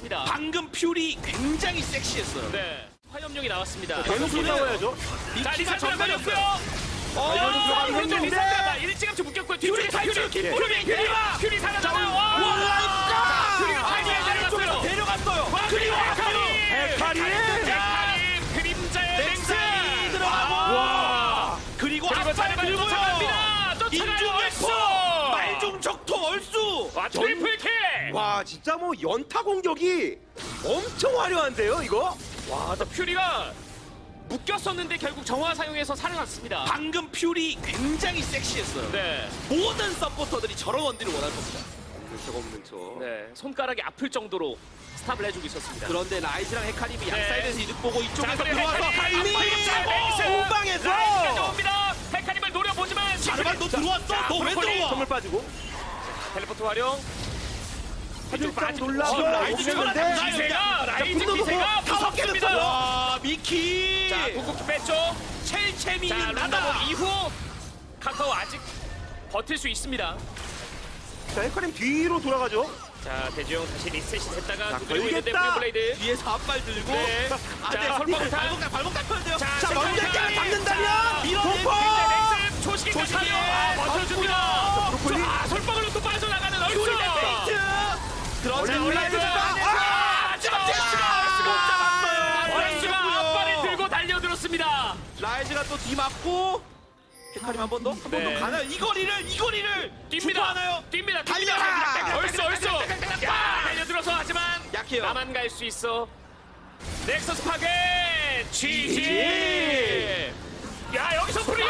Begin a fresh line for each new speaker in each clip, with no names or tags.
나왔습니다.
방금 퓨리 굉장히 섹시했어요.
네. 화염용이 나왔습니다.
계속 싸워야죠.
자, 리사 전멸이었고요.
이거는 들어가긴
오른쪽
했는데.
리사가 일찌감치 묶였고요. 뒤쪽에
탈출,
퓨리 살아나요.
와!
퓨리가 탈출해 내려갔어요.
데려갔어요.
그리고
헤카리!
헤카림 그림자의 맹세
들어가고.
와!
그리고
그리고
앞발
자르반
들고요.
쫓아갑니다. 쫓아가요.
인중열포,
얼쑤.
말중적토 얼쑤.
와 트리플킬.
와, 진짜 뭐 연타 공격이 엄청 화려한데요, 이거?
와, 퓨리가 묶였었는데 결국 정화 사용해서 살아났습니다.
방금 퓨리 굉장히 섹시했어요.
네,
모든 서포터들이 저런 원딜을 원할 겁니다.
없는 척.
네, 손가락이 아플 정도로 스탑을 해주고 있었습니다.
그런데 라이즈랑 헤카림이 양
네.
사이드에서 이득 보고 이쪽에서
그리고
들어와서
헤카림
후방에서
라이즈까지 옵니다. 헤카림을 노려보지만
자르반 너 들어왔어?
자,
너 왜
브로콜리.
들어와?
선물 빠지고.
텔레포트 활용.
살짝
빠지고.
놀라서
라이즈
오겠는데.
기세가 라이즈
분노도
기세가
다섯 개
무섭습니다.
됐어요. 와 미키.
자, 궁극기 뺐죠.
첼체미
자,
나다.
란다본 이후 카카오 아직 버틸 수 있습니다.
자, 헤카림 뒤로 돌아가죠.
자, 대지용 다시 리셋이 됐다가
자,
두드리고 있는데
걸리겠다.
블레이드.
뒤에서 앞발 들고.
네.
아,
자,
네.
설방탄.
발목 닦아야 돼요.
자,
자, 먼저
설방탄.
깨를 잡는다면 밀어내고.
폭포! 넥슨 초식까지
조심해.
버텨줍니다.
브로콜리.
아, 솔방울로 또 빠져나가는 얼쑤.
퓨리 페이트. 그런데
얼쑤.
올라이드
아,
잡았어요.
얼쑤가 앞발을 들고 달려들었습니다.
라이즈가 또 뒤맞고 헤카림 한 번 더? 한 번
네.
더 가나요? 이 거리를
뜁니다.
하나요?
뜁니다.
달려라!
얼쑤. 야, 달려들어서 하지만
약해요.
나만 갈 수 있어. 넥서스 파괴 GG. 야, 여기서 프리야.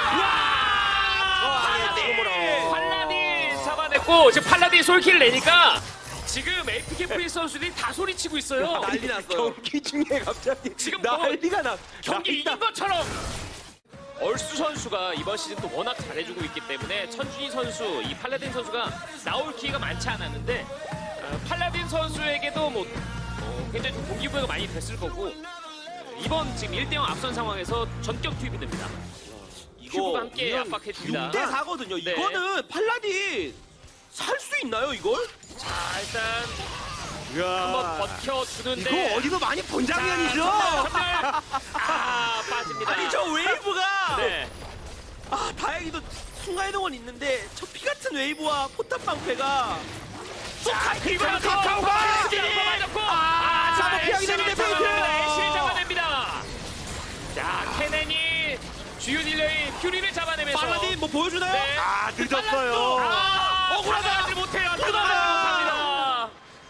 팔라딘 잡아냈고 지금 팔라딘 솔킬 내니까 지금 APK 프리 선수들이 다 소리치고 있어요.
난리 났어요.
경기 중에 갑자기
지금
난리가 나.
경기 이긴 것처럼. 얼쑤 선수가 이번 시즌 또 워낙 잘해주고 있기 때문에 천준희 선수, 이 팔라딘 선수가 나올 기회가 많지 않았는데 팔라딘 선수에게도 뭐 굉장히 좀 동기부여가 많이 됐을 거고 이번 지금 1대0 앞선 상황에서 전격 투입이 됩니다. 큐브가 함께 압박해줍니다.
6대 4거든요.
네.
이거는 팔라딘 살 수 있나요, 이걸?
자, 일단
이야.
한번 버텨주는데
이거 어디서 많이 본 장면이죠?
전멸! 아, 빠집니다.
아니 저 웨이브가
네.
아 다행히도 순간이동은 있는데 저 피 같은 웨이브와 포탑 방패가
자, 그리고
카카오가
맞았고
잡아 피하게 되는데 페이트!
애쉬를 잡아냅니다. 자, 케넨이 주요 딜러인 퓨리를 잡아내면서
팔라딘 뭐 보여주나요?
네.
아, 늦었어요.
억울하다.
받아내지 못해요. 못합니다.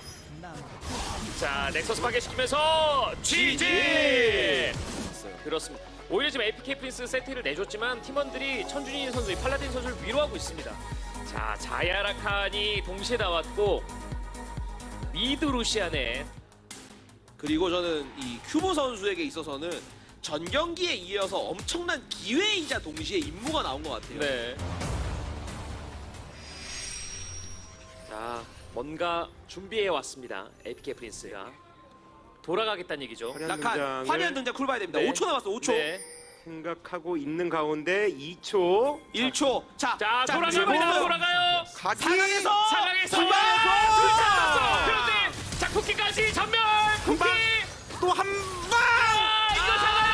자, 넥서스 파괴시키면서 GG! 그렇습니다. 오히려 지금 APK 프린스 세트를 내줬지만 팀원들이 천준희 선수, 이 팔라딘 선수를 위로하고 있습니다. 자, 자야라칸이 동시에 나왔고 미드 루시안의
그리고 저는 이 큐보 선수에게 있어서는 전 경기에 이어서 엄청난 기회이자 동시에 임무가 나온 것 같아요.
네. 자, 뭔가 준비해 왔습니다. APK 프린스가 돌아가겠다는 얘기죠.
라칸 화려한 등장 쿨 봐야 됩니다.
네.
5초 남았어. 5초.
네.
생각하고 있는 가운데 2초.
1초. 자,
자, 돌아갑니다.
그리고
돌아가요.
가기.
상황에서
상황에서
출발!
둘 잡았어. 그런데 자, 쿠키까지 전멸. 쿠키.
방. 또 한 방.
이거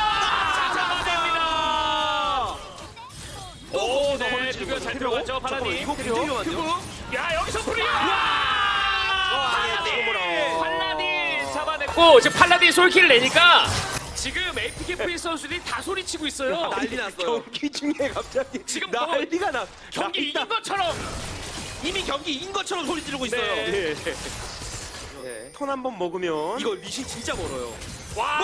잡아요. 잡아냅니다. 오, 네, 두개 잘 들어갔죠, 파라디.
이거 굉장히 위험한데요?
야, 여기서 프리야.
예,
팔라딘 잡아냈고 지금 팔라딘 솔킬을 내니까 지금 APK 프리 선수들이 다 소리치고 있어요.
난리 났어요.
경기 중에 갑자기
지금
난리가 나.
경기 이긴 것처럼.
이미 경기 이긴 것처럼 소리 지르고 있어요.
네.
네.
네.
턴 한 번 먹으면
이거 리신 진짜 멀어요.
와,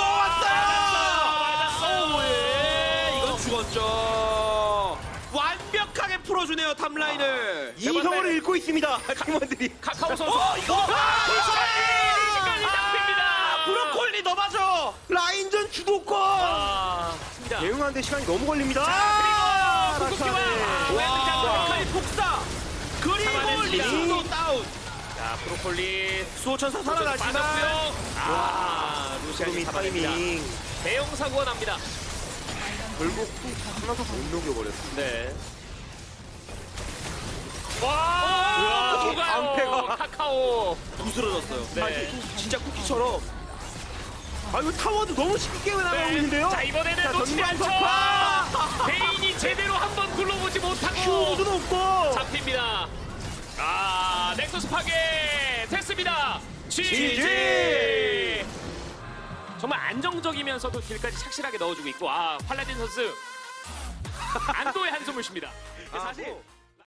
왔어요!
맞았어요.
예, 이건 죽었죠. 완벽하게 풀어주네요 탑라인을.
이성을 잃고 있습니다. 팀원들이.
카카오 선수.
이거
시간이 잡힙니다.
브로콜리 너 맞아.
라인전 주도권.
습니다.
대응하는데 시간이 너무 걸립니다.
그리고 궁극기와
와, 칼 폭사. 그리고
잡아냈습니다.
리신도 다운.
자, 브로콜리
수호천사 살아나지만
빠졌고요. 루시안이
지금 이
잡아냅니다.
타이밍
대형 사고가 납니다.
결국 하나도 못 녹여버렸어.
네. 와! 녹아요.
방패가.
카카오.
부스러졌어요.
네.
진짜 쿠키처럼.
아 이거 타워도 너무 쉽게 나가고 있는데요.
자 이번에는
자,
놓치지 않죠.
전방
베인이 제대로 한번 굴러보지 못하고
큐브도 높고.
잡힙니다. 아 넥서스 파괴 됐습니다. GG.
GG.
정말 안정적이면서도 딜까지 착실하게 넣어주고 있고 아 팔라딘 선수 안도의 한숨을 쉽니다.
아,
사실
뭐.